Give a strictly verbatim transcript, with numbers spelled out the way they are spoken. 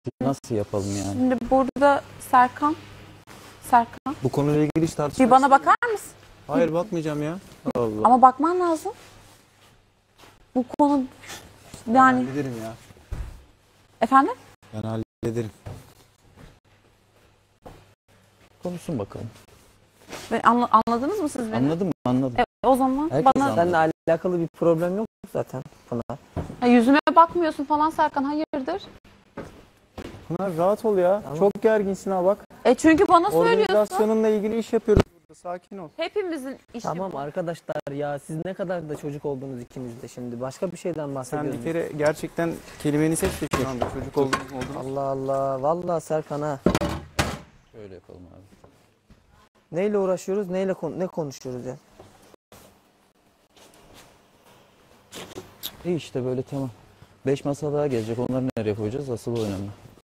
Nasıl yapalım yani? Şimdi burada Serkan. Serkan. Bu konuyla ilgili hiç tartışma. Bir bana bakar mısın? Hayır bakmayacağım ya. Allah. Ama bakman lazım. Bu konu Ben yani hallederim ya. efendim? Ben hallederim. Konuşsun bakalım. Ben anla- anladınız mı siz beni? Anladın mı? Anladım. Evet, o zaman Herkes bana anladı. Seninle alakalı bir problem yok zaten Pınar. ha, yüzüme bakmıyorsun falan Serkan, hayırdır? Pınar rahat ol ya. Tamam. Çok gerginsin ha bak. E çünkü bana söylüyorsun. Organizasyonunla ilgili iş yapıyoruz burada. Sakin ol. Hepimizin işi Tamam bu. arkadaşlar ya, siz ne kadar da çocuk oldunuz ikiniz de şimdi. Başka bir şeyden Sen bahsediyoruz. bir kere gerçekten kelimeni seç de şu anda çocuk oldun oldun. Allah Allah. Vallahi Serkan ha. Şöyle yapalım abi. Neyle uğraşıyoruz? Neyle kon- ne konuşuyoruz ya? İyi işte böyle tamam. Beş masa daha gelecek. Onları nereye koyacağız? Asıl o önemli.